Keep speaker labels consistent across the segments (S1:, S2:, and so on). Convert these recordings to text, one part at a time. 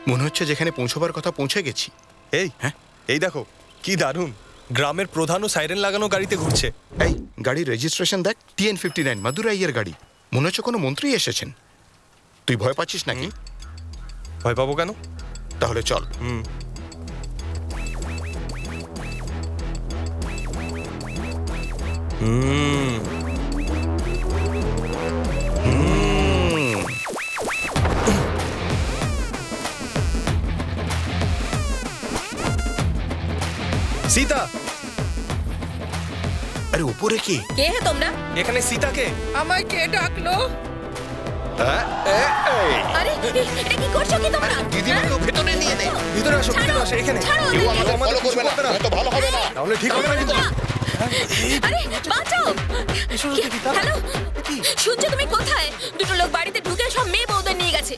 S1: মনে হচ্ছে যেখানে পৌঁছবার কথা পৌঁছে গেছি।
S2: এই হ্যাঁ, এই দেখো কি দারুণ, গ্রামের প্রধানও সাইরেন লাগানো গাড়িতে ঘুরছে।
S1: এই গাড়ির রেজিস্ট্রেশন দেখ, TN59 মাদুরাইয়ের গাড়ি। মনে হচ্ছে কোনো মন্ত্রী এসেছেন। তুই ভয় পাচ্ছিস নাকি?
S2: ভয় পাবো কেন?
S1: তাহলে চল।
S2: সীতা,
S1: আরে উপরে কি?
S3: কে হে তোমরা?
S2: এখানে সীতাকে।
S4: আমায় কে ডাকলো?
S3: আরে এটা কি করছো কি তোমরা?
S1: দিদিমাকে ভেতরে নিয়ে নে।
S2: ভিতরে আসো, ভিতরে আসো, এখানে।
S3: ছাড়ো
S1: কেউ
S3: আমাকে।
S1: আমাদের ফলো করবে না, তো ভালো হবে না।
S2: তাহলে ঠিক হবে না কিন্তু।
S3: আরে বাঁচাও। হ্যালো, শুনছো তুমি কোথায়? দুটো লোক বাড়িতে ঢুকে সব মেয়ে বউদের নিয়ে গেছে।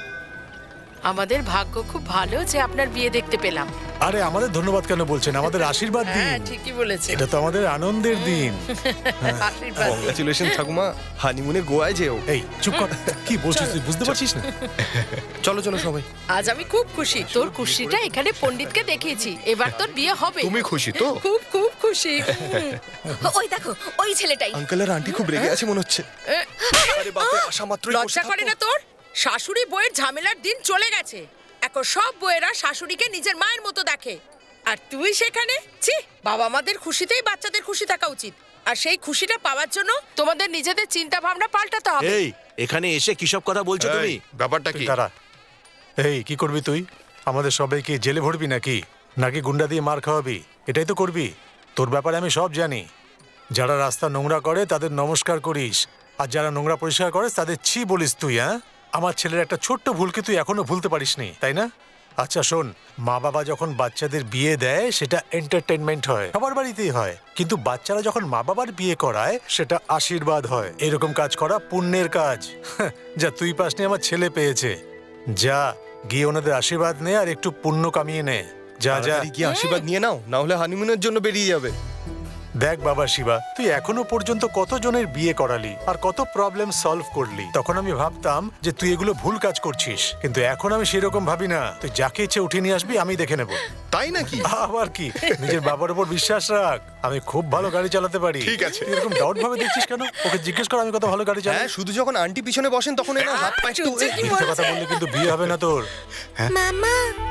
S4: আমাদের ভাগ্য খুব ভালো যে আপনার বিয়ে দেখতে পেলাম।
S5: আরে আমাদের ধন্যবাদ কেন বলছেন? আমাদের আশীর্বাদ দিন।
S4: হ্যাঁ ঠিকই বলেছে।
S5: এটা তো আমাদের আনন্দের দিন।
S4: আশীর্বাদ দিন।
S2: কংগ্রাচুলেশন ঠাকুমা, হানিমুনে গোয়ায় যেও।
S5: এই চুপ কর, কি বলছিস তুই বুঝতে পারছিস না?
S2: চলো চলো সবাই।
S4: আজ আমি খুব খুশি, তোর খুশিটা এখানে পণ্ডিতকে দেখিয়েছি। এবার তোর বিয়ে হবে।
S1: তুমি খুশি তো?
S4: খুব খুব খুশি।
S3: ওই দেখো, ওই ছেলেটাই।
S2: আঙ্কেল আর আন্টি খুব রেগে আছে মনে হচ্ছে। আরে বাপরে, আসা মাত্রই
S4: লজ্জা করে না তোর? শাশুড়ি বউয়ের ঝামেলার দিন চলে গেছে। এখন সব বউয়েরা শাশুড়িকে নিজের মায়ের মতো দেখে, আর তুই সেখানে। ছি, বাবা মাদের খুশিতেই বাচ্চাদের খুশি থাকা উচিত। আর সেই খুশিটা পাওয়ার জন্য তোমাদের নিজেদের চিন্তা ভাবনা পাল্টাতে হবে।
S6: এই এখানে এসে কিসব কথা বলছো তুমি?
S1: এই, ব্যাপারটা
S5: তুই
S1: কি?
S5: দাঁড়া। এই কি করবি তুই? আমাদের সবাইকে জেলে ভরবি নাকি? নাকি গুন্ডা দিয়ে মার খাওয়াবি? এটাই তো করবি। তোর ব্যাপারে আমি সব জানি। যারা রাস্তা নোংরা করে তাদের নমস্কার করিস, আর যারা নোংরা পরিষ্কার করে তাদের ছি বলিস তুই। হ্যাঁ, আমার ছেলের একটা ছোট্ট ভুলকে তুই এখনো ভুলতে পারিসনি, তাই না? আচ্ছা শোন, মা বাবা যখন বাচ্চাদের বিয়ে দেয় সেটা এন্টারটেনমেন্ট হয়, সবার বাড়িতেই হয়। কিন্তু বাচ্চারা যখন মা বাবার বিয়ে করায় সেটা আশীর্বাদ হয়। এরকম কাজ করা পুণ্যের কাজ। যা তুই পাসনি, আমার ছেলে পেয়েছে। যা গিয়ে ওনাদের আশীর্বাদ নে আর একটু পুণ্য কামিয়ে নে। যা যা।
S2: তাড়াতাড়ি গিয়ে আশীর্বাদ নিয়ে নাও, না হলে হানিমুনের জন্য বেরিয়ে যাবে।
S5: দেখ বাবা শিবা, তুই এখনো পর্যন্ত কতজনের বিয়ে করালি আর কত প্রবলেম সলভ করলি। তখন আমি ভাবতাম যে তুই এগুলো ভুল কাজ করছিস, কিন্তু এখন আমি সেরকম ভাবি না। তুই যাকে ইচ্ছে উঠিয়ে নিয়ে আসবি, আমি দেখে নেব।
S1: তাই নাকি?
S5: আবার কি, নিজের বাবার উপর বিশ্বাস রাখ। আমি খুব ভালো গাড়ি চালাতে পারি।
S1: ঠিক আছে।
S5: তুই এরকম ডাউট ভাবে দেখছিস কেন? ওকে জিজ্ঞেস কর আমি কত ভালো গাড়ি চালাই।
S2: হ্যাঁ, শুধু যখন আন্টি পিছনে বসেন তখন এরা হাত পা একটু।
S4: চুপচাপ কি
S5: মিথ্যে কথা
S4: বলছে?
S5: বললে কিন্তু বিয়ে হবে না তোর।
S3: মামা,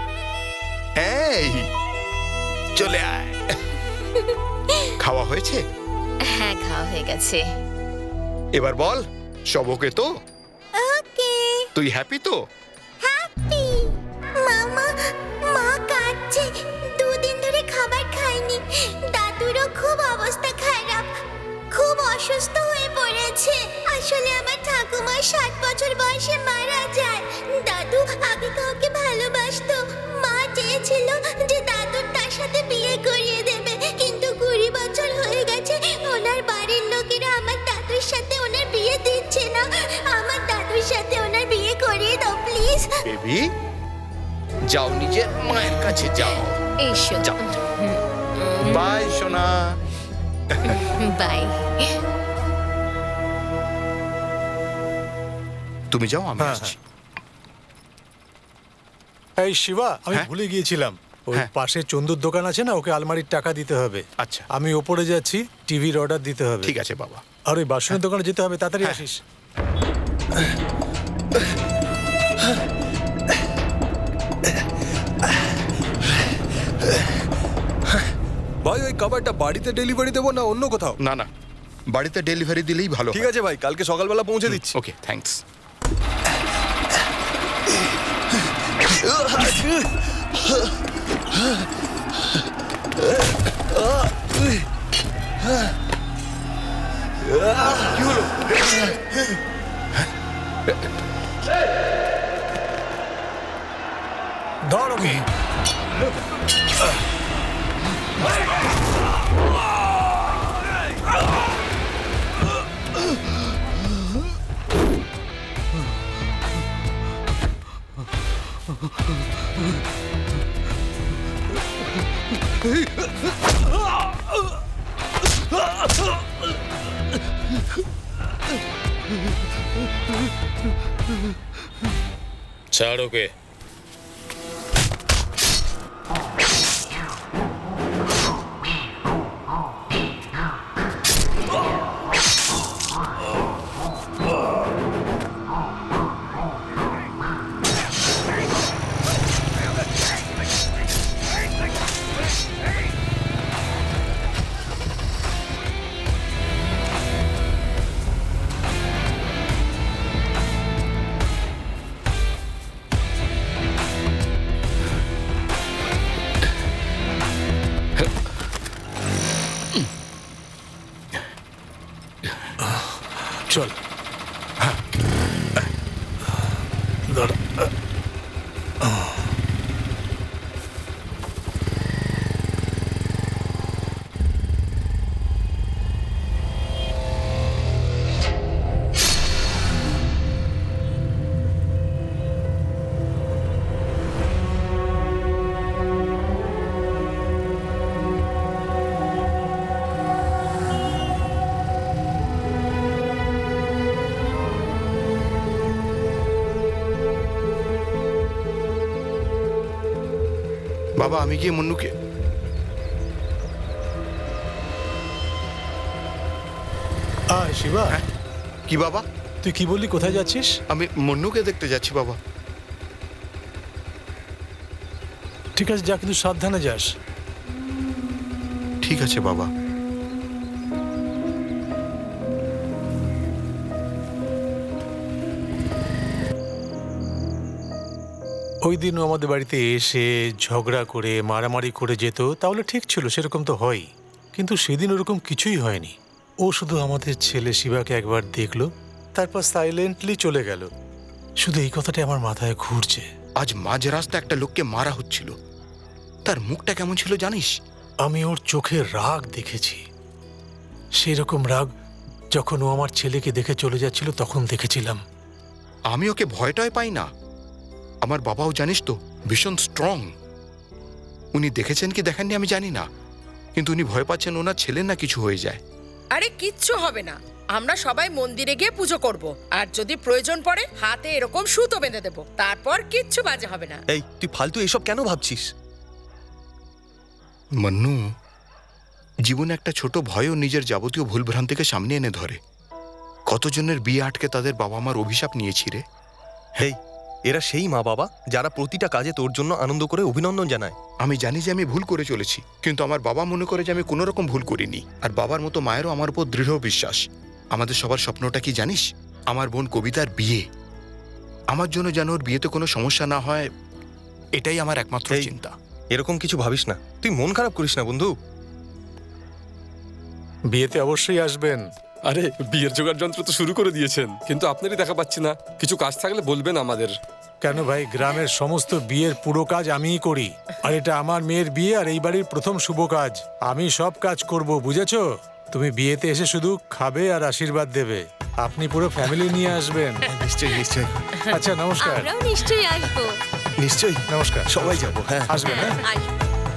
S1: এই চলে আয়। খাওয়া হয়েছে?
S3: হ্যাঁ খাওয়া হয়ে গেছে।
S1: এবার বল, সব ওকে তো?
S3: ওকে,
S1: তুই হ্যাপি তো?
S3: হ্যাপি। মামা, মা কাঁদছে, দুদিন ধরে খাবার খায়নি। দাদুরও খুব অবস্থা খারাপ, খুব অসুস্থ হয়ে পড়েছে। আসলে আমার ঠাকুমা 60 বছর বয়সে মারা যায়। দাদু আগে কাউকে ভালোবাসতো। মা চেয়েছিল যে দাদুর তার সাথে বিয়ে করিয়ে দেবে, কিন্তু 20 বছর হয়ে গেছে ওনার বাড়ির লোকেরা আমার দাদুর সাথে ওনার বিয়ে দিচ্ছে না। আমার দাদুর সাথে ওনার বিয়ে করিয়ে দাও প্লিজ।
S1: বেবি, যাও নিজের মায়ের কাছে যাও।
S3: এসো।
S1: যাও। বাই সোনা।
S3: বাই।
S1: তুমি যাও, আমি
S5: হ্যাঁ,
S1: আসছি।
S5: এই শিবা, আমি
S1: হ্যাঁ?
S5: ভুলে গিয়েছিলাম। ওই
S1: হ্যাঁ।
S5: পাশে চন্দুর দোকান আছে না, ওকে আলমারির টাকা দিতে হবে।
S1: আচ্ছা।
S5: আমি ওপরে যাচ্ছি, টিভির অর্ডার দিতে হবে।
S1: ঠিক আছে বাবা।
S5: আর ওই বাসনের দোকানে যেতে হবে, তাড়াতাড়ি
S1: হ্যাঁ।
S5: আসিস।
S2: ভাই, ওই খাবারটা বাড়িতে ডেলিভারি দেবো না অন্য কোথাও?
S1: না না, বাড়িতে ডেলিভারি দিলেই ভালো।
S2: ঠিক আছে ভাই, কালকে সকালবেলা পৌঁছে দিচ্ছি।
S1: Okay, thanks.
S5: ধর ওকে।
S7: ছাড় ওকে।
S5: চল। দাঁড়া।
S1: বাবা আমি গিয়ে মুন্নুকে
S5: আয় শিবা,
S1: কি বাবা?
S5: তুই কি বললি, কোথায় যাচ্ছিস?
S1: আমি মুন্নুকে দেখতে যাচ্ছি বাবা।
S5: ঠিক আছে যা, কিন্তু সাবধানে যাস।
S1: ঠিক আছে বাবা।
S5: ওই দিনও আমাদের বাড়িতে এসে ঝগড়া করে মারামারি করে যেত, তাহলে ঠিক ছিল, সেরকম তো হয়। কিন্তু সেদিন ওরকম কিছুই হয়নি। ও শুধু আমাদের ছেলে শিবাকে একবার দেখলো, তারপর সাইলেন্টলি চলে গেল। শুধু এই কথাটা আমার মাথায় ঘুরছে।
S1: আজ মাঝ রাস্তা একটা লোককে মারা হচ্ছিল, তার মুখটা কেমন ছিল জানিস?
S5: আমি ওর চোখে রাগ দেখেছি, সেই রকম রাগ যখন ও আমার ছেলেকে দেখে চলে যাচ্ছিল তখন দেখেছিলাম।
S1: আমি ওকে ভয়টাই পাই না। আমার বাবাও জানিস তো ভীষণ স্ট্রং। উনি দেখেছেন কি দেখেননি আমি জানি না, কিন্তু উনি ভয় পাচ্ছেন ওনার ছেলের না কিছু হয়ে যায়।
S4: আরে কিচ্ছু হবে না, আমরা সবাই মন্দিরে গিয়ে পুজো করব, আর যদি প্রয়োজন পড়ে হাতে এরকম সুতো বেঁধে দেব, তারপর কিচ্ছু বাজে হবে না।
S2: এই তুই ফালতু এসব কেন ভাবছিস?
S1: মন্নু, জীবনে একটা ছোট ভয়ও নিজের যাবতীয় ভুলভ্রান্তিকে সামনে এনে ধরে। কতজনের বিয়ে আটকে তাদের বাবা মার অভিশাপ নিয়েছি রে।
S2: হেই, এরা সেই মা বাবা যারা প্রতিটা কাজে তোর জন্য আনন্দ করে অভিনন্দন জানায়।
S1: আমি জানি যে আমি ভুল করে চলেছি, কিন্তু আমার বাবা মনে করে যে আমি কোনো রকম ভুল করিনি। আর বাবার মতো মায়েরও আমার উপর দৃঢ় বিশ্বাস। আমাদের সবার স্বপ্নটা কি জানিস? আমার বোন কবিতার বিয়ে। আমার জন্য যেন ওর বিয়েতে কোনো সমস্যা না হয়, এটাই আমার একমাত্র
S2: এই,
S1: চিন্তা।
S2: এরকম কিছু ভাবিস না, তুই মন খারাপ করিস না বন্ধু।
S5: বিয়েতে অবশ্যই আসবেন।
S7: আরে বিয়ের জোগাড় যন্ত্র তো শুরু করে দিয়েছেন, কিন্তু আপনারই দেখা পাচ্ছি না। কিছু কাজ থাকলে বলবেন আমাদের।
S5: কেন ভাই, গ্রামের সমস্ত বিয়ের পুরো কাজ আমিই করি। আর এটা আমার মেয়ের বিয়ে, আর এই বাড়ির প্রথম শুভ কাজ। আমি সব কাজ করব, বুঝেছো? তুমি বিয়েতে এসে শুধু খাবে আর আশীর্বাদ দেবে। আপনি পুরো ফ্যামিলি নিয়ে আসবেন।
S2: নিশ্চয়ই নিশ্চয়ই
S5: আচ্ছা নমস্কার।
S3: আমরাও নিশ্চয়ই আসবো।
S2: নিশ্চয়ই
S5: নমস্কার,
S2: সবাই যাবো। হ্যাঁ
S5: আসবেন। হ্যাঁ
S4: আসবো।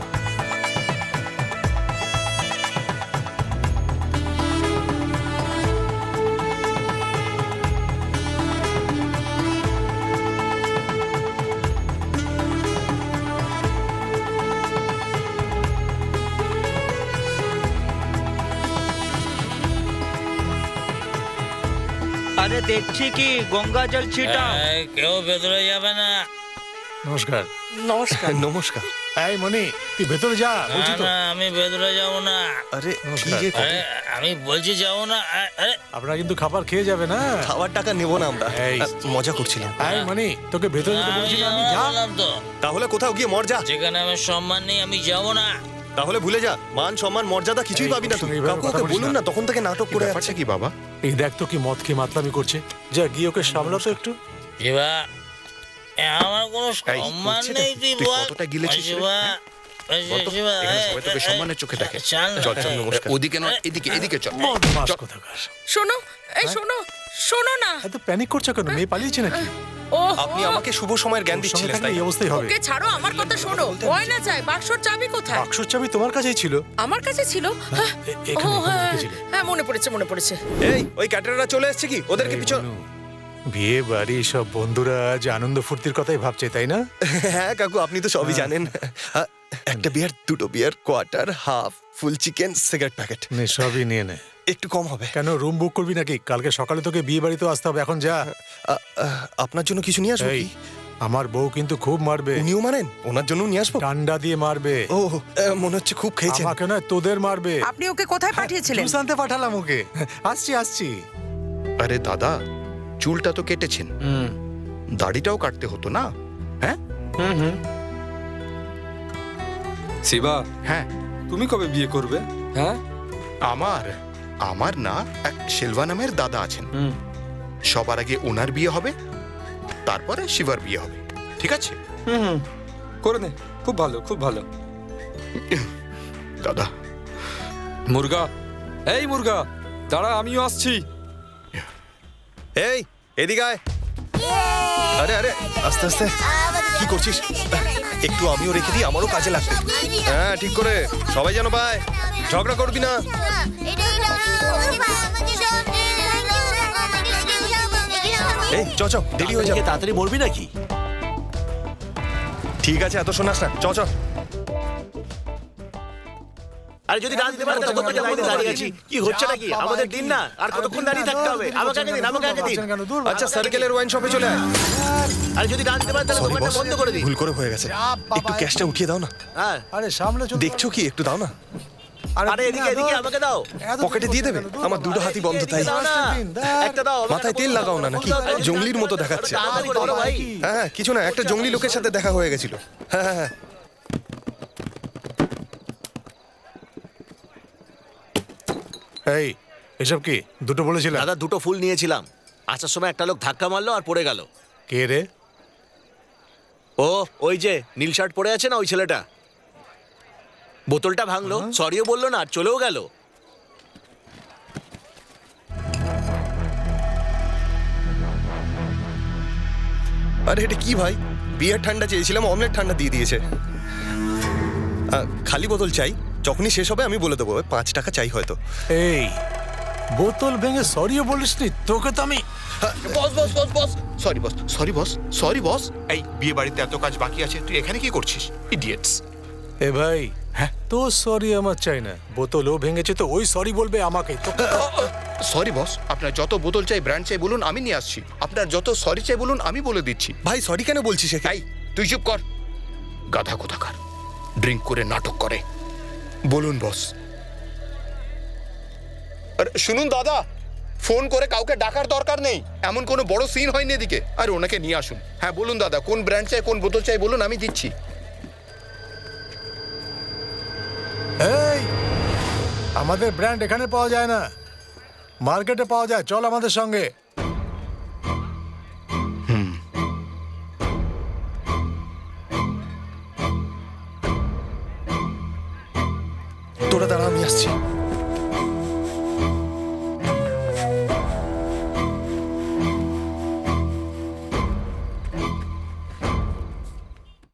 S8: আরে দেখছি কি গঙ্গা জল ছিটাও।
S9: কেউ ভেতরে যাবে না।
S5: নমস্কার।
S4: নমস্কার।
S2: নমস্কার।
S5: এই মনি, তুই ভেতরে যা, বলছি তো।
S9: না, আমি ভেতরে যাব না।
S2: আরে কি
S5: নমস্কার।
S2: যে
S9: আরে আমি বলছি যাবো না। আরে
S5: আপনারা কিন্তু খাবার খেয়ে যাবে না।
S2: খাওয়ার টাকা নেবো না আমরা,
S5: এই।
S2: মজা করছিলাম।
S5: এই মনি, তোকে ভেতরে যেতে
S9: আমি
S5: বলেছিলাম আমি, যা।
S9: বললাম তো,
S2: তাহলে কোথাও গিয়ে মর যা।
S9: যেখানে আমার সম্মান নেই আমি যাব না।
S2: তাহলে ভুলে যা, মান সম্মান মর্যাদা কিছুই
S5: এই,
S2: পাবি না তুই।
S5: এইভাবে
S2: কাউকে
S5: কথা
S2: ওকে
S5: বলিস
S2: বলুন
S5: না।
S2: না, তখন থেকে নাটক করে
S1: ব্যাপারটা
S2: যাচ্ছে।
S1: কি বাবা?
S5: এই দেখ তো কি মদ খেয়ে মাতলামি করছে। যা গিয়ে ওকে সামলাতো একটু।
S9: শিবা, আমার কোনো
S1: এই,
S9: সম্মান
S1: হচ্ছে
S9: নেই,
S1: নাকি?
S9: তুই
S1: তুই
S9: বল।
S1: কতটা গিলেছিস রে?
S9: শিবা,
S1: বল তো,
S9: শিবা,
S1: এখানে সবাই তোকে সম্মানের চোখে দেখে।
S9: চল না।
S1: চল চল,
S2: নমস্কার।
S1: ওদিকে নয়, এদিকে এদিকে চল।
S5: বদমাস
S1: চল।
S5: কোথাকার।
S4: শোনো, এই শোনো, শোনো না।
S5: এত প্যানিক করছো কেন? মেয়ে পালিয়েছে নাকি?
S4: ও
S2: আপনি আমাকে শুভ সময়ের জ্ঞান
S5: ওর সঙ্গে
S2: দিচ্ছিলেন,
S5: থাকলে
S2: তাই
S5: এই অবস্থাই হবে।
S4: ওকে ছাড়ো, আমার কথা শোনো। গয়না চাই, বাক্সর চাবি কোথায়?
S5: বাক্সর চাবি তোমার কাছেই ছিল।
S4: আমার কাছে ছিল। হ্যাঁ,
S5: এখানে,
S4: ও,
S5: এখানে
S4: হ্যাঁ,
S5: রেখেছিলে।
S4: হ্যাঁ, মনে পড়েছে, মনে পড়েছে।
S2: এই ওই ক্যাটারাররা চলে এসেছে কি? ওদেরকে
S5: এই
S2: পিছন।
S5: মনু, বিয়ে বাড়ি সব বন্ধুরা আজ আনন্দ ফুর্তির কথাই ভাবছে, তাই না?
S2: হ্যাঁ কাকু, আপনি তো সবই জানেন। একটা বিয়ার, দুটো beer, quarter, half, full chicken, cigarette packet.
S5: নে, সবই নিয়ে নে।
S2: একটু কম হবে।
S5: কেন, রুম বুক করবি নাকি? কালকে সকালে তোকে বিয়ে বাড়িতেও আসতে হবে, এখন যা।
S2: আপনার জন্য কিছু নিয়ে আসবো
S5: এই,
S2: কি?
S5: আমার বউ কিন্তু খুব মারবে।
S2: উনিও মানেন? ওনার জন্য নিয়ে আসবো?
S5: ডান্ডা দিয়ে মারবে।
S2: ও, মনে হচ্ছে খুব খেয়েছেন।
S5: আমাকে নয়, তোদের মারবে।
S4: আপনি ওকে কোথায় পাঠিয়েছিলেন?
S5: জুস আনতে পাঠালাম ওকে। আসছি আসছি।
S1: আরে দাদা, চুলটা তো কেটেছেন, দাড়িটাও কাটতে হতো না? হ্যাঁ
S7: শিবা,
S1: হ্যাঁ।
S7: তুমি কবে বিয়ে করবে? হ্যাঁ,
S1: আমার আমার না এক শিলভা নামের দাদা আছেন, সবার আগে ওনার বিয়ে হবে, তারপরে শিবার বিয়ে হবে, ঠিক আছে?
S7: করে নে, খুব ভালো, খুব ভালো।
S1: দাদা,
S7: মুরগা, এই মুরগা, দাঁড়া, আমিও আসছি।
S2: এই এদিকে আয়। আরে আরে আস্তে আস্তে, কি করছিস? একটু আমিও রেখে দিই, আমারও কাজে লাগবে। হ্যাঁ ঠিক করে, সবাই যেন পায়। ঝগড়া করবি না। এই চ চ, দেরি হয়ে যাবে।
S6: তাড়াতাড়ি মরবি নাকি?
S2: ঠিক আছে, এত শোনাস না, চ চ।
S6: আরে যদি না দিতে পারে তাহলে কতক্ষণ লাইনে দাঁড়িয়ে আছি? কি হচ্ছে নাকি? আমাদের দিন না, আর কতক্ষণ দাঁড়িয়ে থাকতে হবে? আমাকে আগে দিন, আমাকে আগে দিন।
S5: কেন দূর
S2: আচ্ছা, সার্কেলের ওয়াইন শপে চলে আয়।
S6: আরে যদি না দিতে পারে তাহলে
S2: সরি
S6: দোকানটা
S2: বস,
S6: বন্ধ করে দিন।
S2: ভুল করে হয়ে গেছে। একটু ক্যাশটা উঠিয়ে দাও না।
S6: হ্যাঁ,
S5: আরে সামনে চল।
S2: দেখছো কি? একটু দাও না।
S6: আরে এদিকে এদিকে আমাকে দাও।
S2: পকেটে দিয়ে দেবে? আমার দুটো হাতই বন্ধ তাই।
S6: দাও না, একটা দাও। আমাকে
S2: মাথায় তেল লাগাও না নাকি? জঙ্গলির মতো দেখাচ্ছে।
S6: তাড়াতাড়ি করো ভাই।
S2: হ্যাঁ হ্যাঁ, কিছু না, একটা জঙ্গলি লোকের সাথে দেখা হয়ে গেছিল। হ্যাঁ হ্যাঁ হ্যাঁ।
S5: এই এসব কি দুটো বলেছিলাম?
S6: দাদা দুটো ফুল নিয়েছিলাম, আসার সময় একটা লোক ধাক্কা মারলো আর পড়ে গেল।
S5: কে রে?
S6: ও ওই যে নীল শার্ট পরে আছে না, ওই ছেলেটা। বোতলটা ভাঙলো, সরিও বললো না, আর চলেও গেল।
S2: আরে এটা কি ভাই? বিয়ার ঠান্ডা চেয়েছিলাম, অমলেট ঠান্ডা দিয়ে দিয়েছে। খালি বোতল চাই, যখনই শেষ হবে আমি বলে দেবো। 5 টাকা চাই হয়তো।
S5: এই বোতল ভেঙে সরিও বলিসনি? তোকে তো আমি
S1: boss boss boss boss, sorry boss, sorry boss, sorry boss. এই বিয়ে বাড়িতে এত কাজ বাকি আছে, তুই এখানে কি করছিস? ইডিয়েটস।
S5: এ ভাই, হ্যাঁ তো সরি আমার চাই না। বোতলও ভেঙেছে তো ওই সরি বলবে আমাকে। তোকে
S1: সরি বস, আপনার যত বোতল চাই, ব্র্যান্ড চাই বলুন, আমি নিয়ে আসছি। আপনার যত সরি চাই বলুন, আমি বলে দিচ্ছি।
S2: ভাই সরি কেন বলছিস?
S1: এই তুই চুপ কর, গাধা কোথাকার, ড্রিঙ্ক করে নাটক করে। বলুন বস। আরে শুনুন দাদা, ফোন করে কাউকে ডাকার দরকার নেই, এমন কোনো বড় সিন হয়নি এদিকে। আরে ওনাকে নিয়ে আসুন। হ্যাঁ বলুন দাদা, কোন ব্র্যান্ড চাই, কোন বোতল চাই বলুন, আমি দিচ্ছি।
S5: এই আমাদের ব্র্যান্ড এখানে পাওয়া যায় না, মার্কেটে পাওয়া যায়। চল আমাদের সঙ্গে।
S2: তোরা দাঁড়া, আমি আসছি।